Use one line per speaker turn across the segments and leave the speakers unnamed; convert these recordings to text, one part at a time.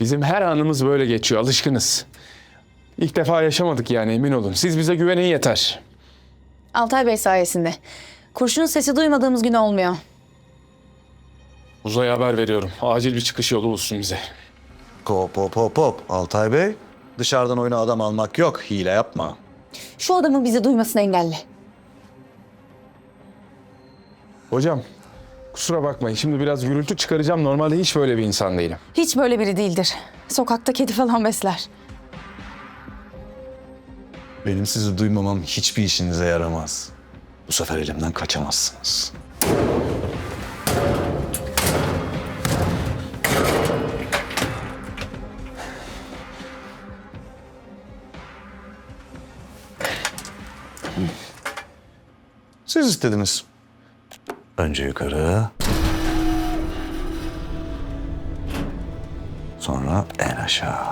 Bizim her anımız böyle geçiyor, alışkınız. İlk defa yaşamadık yani, emin olun. Siz bize güvenin yeter.
Altay Bey sayesinde. Kurşunun sesi duymadığımız gün olmuyor.
Uzay'a haber veriyorum. Acil bir çıkış yolu bulsun bize.
Hop hop hop hop. Altay Bey, dışarıdan oyuna adam almak yok. Hile yapma.
Şu adamın bizi duymasını engelle.
Hocam, kusura bakmayın. Şimdi biraz gürültü çıkaracağım. Normalde hiç böyle bir insan değilim.
Hiç böyle biri değildir. Sokakta kedi falan besler.
Benim sizi duymamam hiçbir işinize yaramaz. Bu sefer elimden kaçamazsınız. Siz istediniz. Önce yukarı. Sonra en aşağı.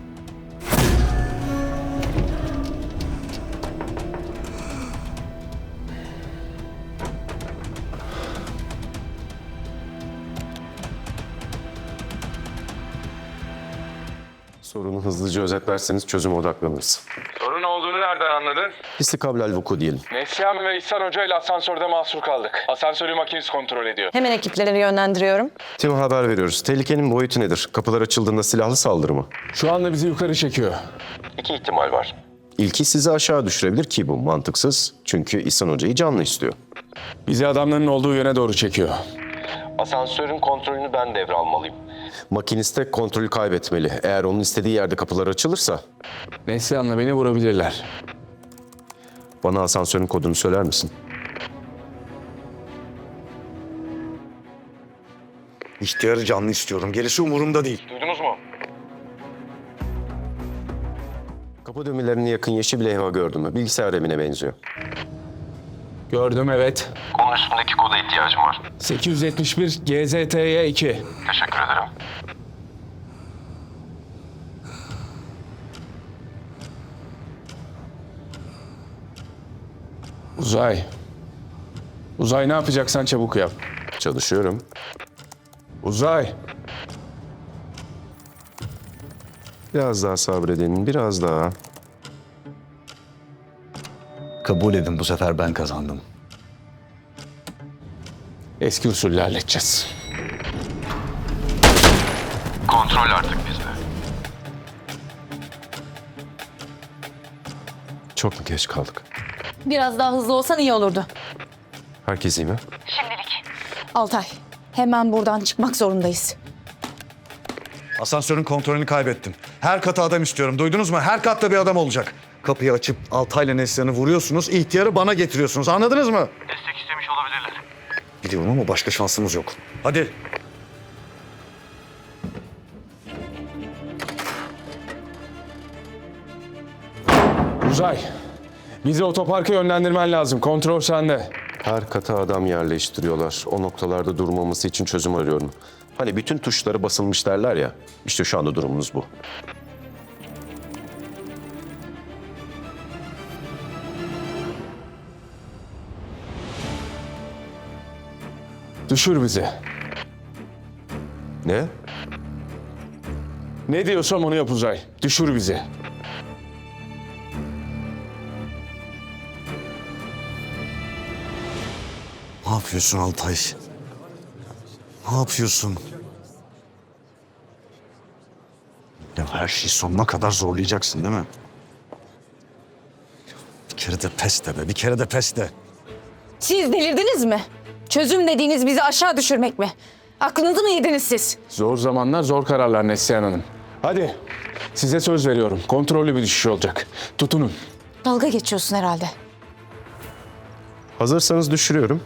Sorunu hızlıca özetlerseniz çözüme odaklanırız.
Sorun olduğunu nereden anladın?
İstikablal vuku diyelim.
Neslihan ve İhsan Hoca ile asansörde mahsur kaldık. Asansörü makinesi kontrol ediyor.
Hemen ekipleri yönlendiriyorum.
Tim'e haber veriyoruz. Tehlikenin boyutu nedir? Kapılar açıldığında silahlı saldırı mı?
Şu anda bizi yukarı çekiyor.
İki ihtimal var. İlki sizi aşağı düşürebilir ki bu mantıksız. Çünkü İhsan Hoca'yı canlı istiyor.
Bizi adamların olduğu yöne doğru çekiyor.
Asansörün kontrolünü ben devralmalıyım.
Makiniste kontrolü kaybetmeli. Eğer onun istediği yerde kapılar açılırsa
Neslihan'la beni vurabilirler.
bana asansörün kodunu söyler misin?
İhtiyarı canlı istiyorum. Gerisi umurumda değil.
Duydunuz mu?
Kapı düğmelerine yakın yeşil bir levha gördün mü? Bilgisayar remine benziyor.
Gördüm, evet.
Onun üstündeki koda ihtiyacım var.
871 GZT'ye 2.
Teşekkür ederim.
Uzay. Uzay, ne yapacaksan çabuk yap.
Çalışıyorum.
Uzay.
Biraz daha sabredin, biraz daha.
Kabul edin, bu sefer ben kazandım.
Eski usulle halledeceğiz.
Kontrol artık bizde.
Çok mu geç kaldık?
Biraz daha hızlı olsan iyi olurdu.
Herkes iyi mi?
Altay, hemen buradan çıkmak zorundayız.
Asansörün kontrolünü kaybettim. Her kata adam istiyorum. Duydunuz mu? Her katta bir adam olacak. Kapıyı açıp Altay'la Neslihan'ı vuruyorsunuz. İhtiyarı bana getiriyorsunuz. Anladınız mı?
Destek istemiş olabilirler.
Biliyorum ama başka şansımız yok. Hadi.
Uzay. Bizi otoparka yönlendirmen lazım. Kontrol sende.
Her kata adam yerleştiriyorlar. O noktalarda durmaması için çözüm arıyorum. Hani bütün tuşları basılmış derler ya. İşte şu anda durumunuz bu.
Düşür bizi.
Ne?
Ne diyorsam onu yap Uzay. Düşür bizi.
Ne yapıyorsun Altay? Ne yapıyorsun? Ya her şeyi sonuna kadar zorlayacaksın değil mi? Bir kere de pes de be, bir kere de pes de.
Siz delirdiniz mi? Çözüm dediğiniz bizi aşağı düşürmek mi? Aklınızı mı yediniz siz?
Zor zamanlar zor kararlar Neslihan Hanım. Hadi. Size söz veriyorum. Kontrollü bir düşüş olacak. Tutunun.
Dalga geçiyorsun herhalde.
Hazırsanız düşürüyorum.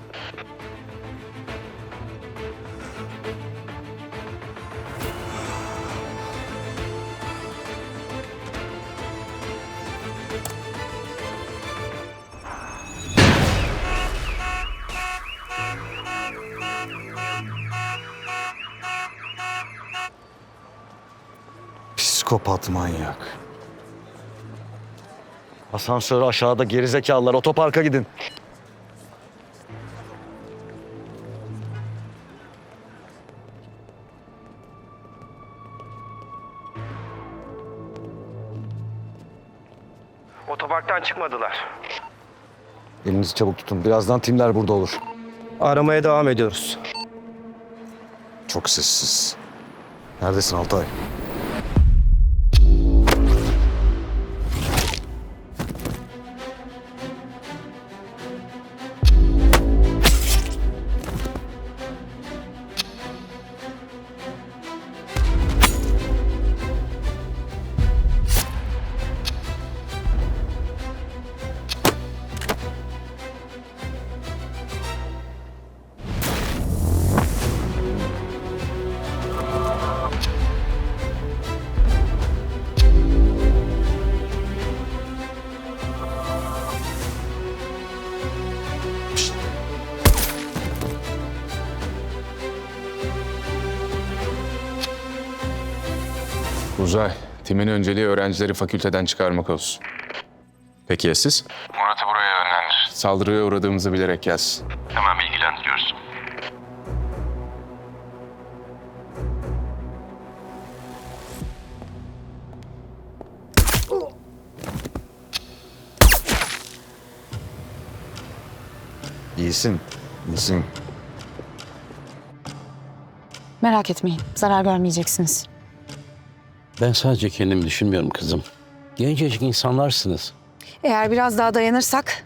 Psikopat manyak. Asansör aşağıda, gerizekalılar, otoparka gidin.
Otoparktan çıkmadılar.
Elinizi çabuk tutun. Birazdan timler burada olur.
Aramaya devam ediyoruz.
Çok sessiz. Neredesin Altay?
Uzay, timin önceliği öğrencileri fakülteden çıkarmak olsun.
Peki ya siz?
Murat'ı buraya yönlendir.
Saldırıya uğradığımızı bilerek yaz.
Hemen bilgilendiriyoruz.
İyisin. İyisin.
Merak etmeyin. Zarar görmeyeceksiniz.
Ben sadece kendimi düşünmüyorum kızım. Gencecik insanlarsınız.
Eğer biraz daha dayanırsak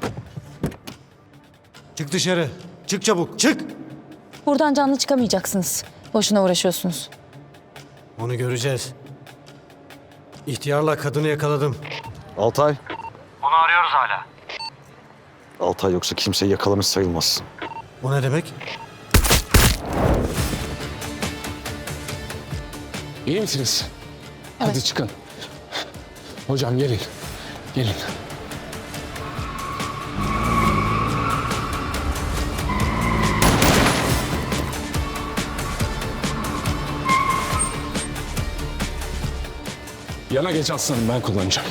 Çık dışarı. Çık çabuk. Çık.
buradan canlı çıkamayacaksınız. Boşuna uğraşıyorsunuz.
Onu göreceğiz. İhtiyarla kadını yakaladım.
Altay.
Onu arıyoruz hala.
Altay yoksa kimseyi yakalamış sayılmazsın.
O ne demek?
İyi misiniz? Hadi çıkın. Hocam gelin. Gelin. Yana geç aslanım, ben kullanacağım.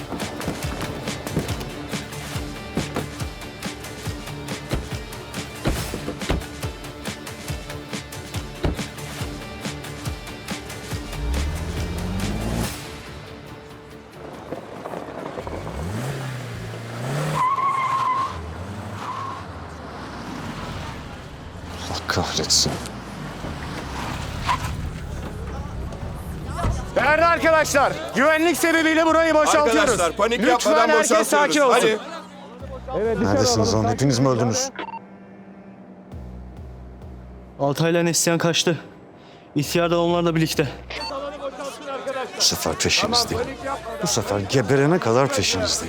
Allah kahretsin.
Değerli arkadaşlar, güvenlik sebebiyle burayı boşaltıyoruz.
Arkadaşlar panik
Lütfen
yapmadan
herkes
boşaltıyoruz.
sakin olsun.
Hadi.
Neredesiniz lan? Hepiniz mi öldünüz?
Altay'la Neslihan kaçtı. İhtiyar da onlarla birlikte.
Bu sefer peşinizdeyim. Bu sefer geberene kadar peşinizdeyim.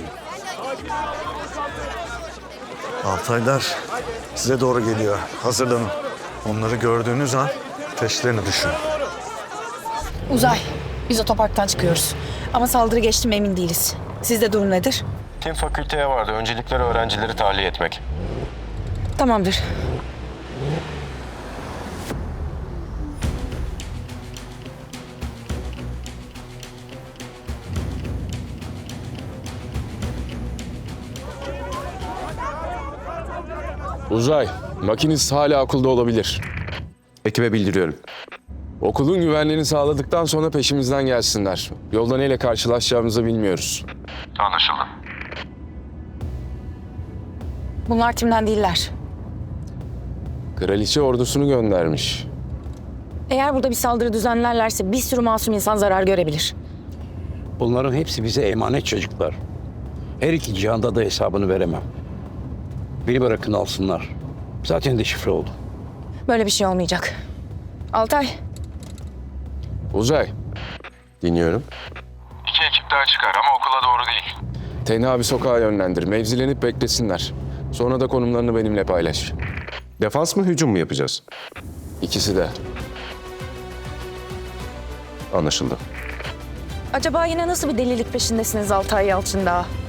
Altaylar size doğru geliyor. Hazırlanın. Onları gördüğünüz an peşlerine düşün.
Uzay, biz otoparktan çıkıyoruz. Ama saldırı geçti mi emin değiliz. Sizde durum nedir?
Tim fakülteye vardı. Öncelikleri öğrencileri tahliye etmek.
Tamamdır.
Uzay, makinist hala okulda olabilir.
Ekibe bildiriyorum.
Okulun güvenliğini sağladıktan sonra peşimizden gelsinler. Yolda neyle karşılaşacağımızı bilmiyoruz.
Anlaşıldı.
Bunlar timden değiller.
Kraliçe ordusunu göndermiş.
Eğer burada bir saldırı düzenlerlerse bir sürü masum insan zarar görebilir.
Bunların hepsi bize emanet çocuklar. Her iki cihanda da hesabını veremem. Beni bırakın alsınlar. Zaten deşifre oldu.
Böyle bir şey olmayacak. Altay,
Uzay,
Dinliyorum.
2 ekip daha çıkar ama okula doğru değil.
tenha bir sokağa yönlendir. Mevzilenip beklesinler. Sonra da konumlarını benimle paylaş.
Defans mı hücum mu yapacağız?
İkisi de.
Anlaşıldı.
acaba yine nasıl bir delilik peşindesiniz Altay Yalçın Dağı?